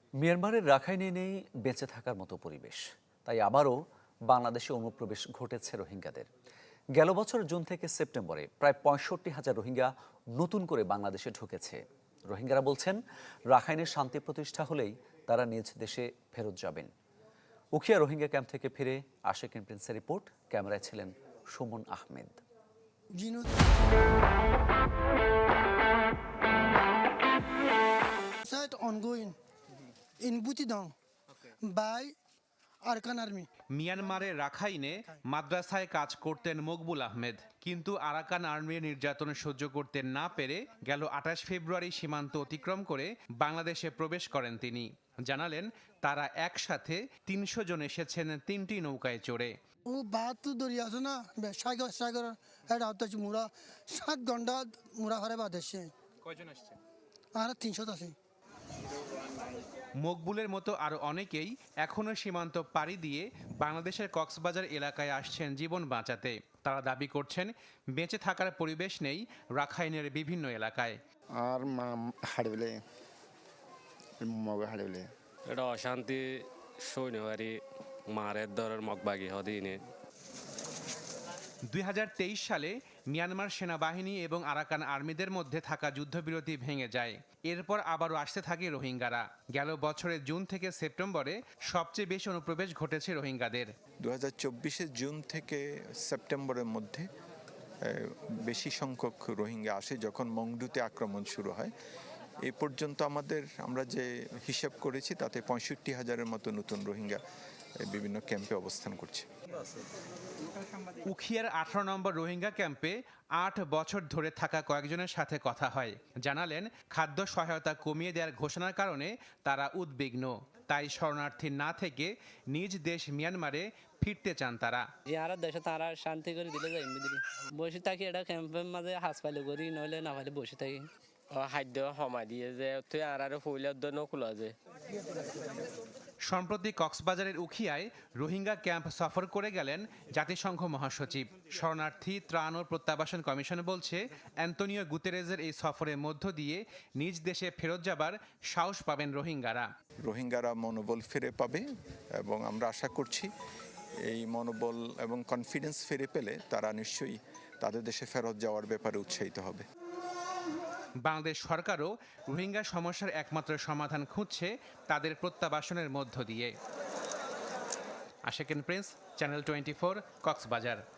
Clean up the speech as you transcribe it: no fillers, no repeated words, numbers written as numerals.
মিয়ানমারের রাখাইনে নেই বেঁচে থাকার মতো পরিবেশ, তাই আবারও বাংলাদেশে অনুপ্রবেশ ঘটেছে রোহিঙ্গাদের। গেল বছর জুন থেকে সেপ্টেম্বরে প্রায় ৬৫,০০০ রোহিঙ্গা নতুন করে বাংলাদেশে ঢুকেছে। রোহিঙ্গারা বলছেন, রাখাইনের শান্তি প্রতিষ্ঠা হলেই তারা নিজ দেশে ফেরত যাবেন। উখিয়া রোহিঙ্গা ক্যাম্প থেকে ফিরে আশেকিন প্রিন্সের রিপোর্ট, ক্যামেরায় ছিলেন Suman Ahmed. Ongoing in Butidong by Arkan Army. মিয়ানমারের রাখাইনে মাদ্রাসায় কাজ করতেন মকবুল আহমেদ, কিন্তু আরাকান আর্মির নির্যাতন সহ্য করতে না পেরে গেল ২৮ ফেব্রুয়ারি সীমান্ত অতিক্রম করে বাংলাদেশে প্রবেশ করেন তিনি। জানালেন, তারা একসাথে ৩০০ জন এসেছেন ৩টি নৌকায় চড়ে। ও বাত দরিয়া আছে না, সাগর সাগর এটা হচ্ছে মুরা ৭ ঘন্টা মুরা হারে বাদ এসে। কয়জন আসছে? আর ৩০০ আছে। মকবুলের মতো আরও অনেকেই এখনও সীমান্ত পাড়ি দিয়ে বাংলাদেশের কক্সবাজার এলাকায় আসছেন জীবন বাঁচাতে। তারা দাবি করছেন, বেঁচে থাকার পরিবেশ নেই রাখাইনের বিভিন্ন এলাকায়। আর হাড়বেলে মগ হাড়বেলে এটা অশান্তি সৈন্যবাড়ি মারের দরের মগবাগি হদিনে। ২০২৩ সালে মিয়ানমার সেনাবাহিনী এবং আরাকান আর্মিদের মধ্যে থাকা যুদ্ধবিরতি ভেঙে যায়। এরপর আবারও আসতে থাকে রোহিঙ্গারা। গেল বছরের জুন থেকে সেপ্টেম্বরে সবচেয়ে বেশি অনুপ্রবেশ ঘটেছে রোহিঙ্গাদের। ২০২৪ জুন থেকে সেপ্টেম্বরের মধ্যে বেশি সংখ্যক রোহিঙ্গা আসে, যখন মংডুতে আক্রমণ শুরু হয়। এ পর্যন্ত আমরা যে হিসাব করেছি তাতে ৬৫,০০০-এর মতো নতুন রোহিঙ্গা বিভিন্ন ক্যাম্পে অবস্থান করছে। উখিয়ার ১৮ নম্বর রোহিঙ্গা ক্যাম্পে ৮ বছর ধরে থাকা কয়েকজনের সাথে কথা হয়। জানালেন, খাদ্য সহায়তা কমিয়ে দেওয়ার ঘোষণার কারণে তারা উদ্বিগ্ন। তাই শরণার্থী না থেকে নিজ দেশ মিয়ানমারে ফিরতে চান তারা। যারা দেশে তারা শান্তি করে দিলে যাই বসে থাকি, এটা ক্যাম্পের মাঝে হাসপাতাল করি, নইলে না পাইলে বসে থাকি। খাদ্য সময় দিয়ে যে তুই আর ফুলের জন্য খোলা যায়। সম্প্রতি কক্সবাজারের উখিয়ায় রোহিঙ্গা ক্যাম্প সফর করে গেলেন জাতিসংঘ মহাসচিব। শরণার্থী ত্রাণ ও প্রত্যাবাসন কমিশন বলছে, অ্যান্তোনিও গুতেরেজের এই সফরের মধ্য দিয়ে নিজ দেশে ফেরত যাবার সাহস পাবেন রোহিঙ্গারা মনোবল ফিরে পাবে এবং আমরা আশা করছি এই মনোবল এবং কনফিডেন্স ফিরে পেলে তারা নিশ্চয়ই তাদের দেশে ফেরত যাওয়ার ব্যাপারে উৎসাহিত হবে। বাংলাদেশ সরকারও রোহিঙ্গা সমস্যার একমাত্র সমাধান খুঁজছে তাদের প্রত্যাবাসনের মধ্য দিয়ে। Ashekin prince, channel 24, Cox's Bazar.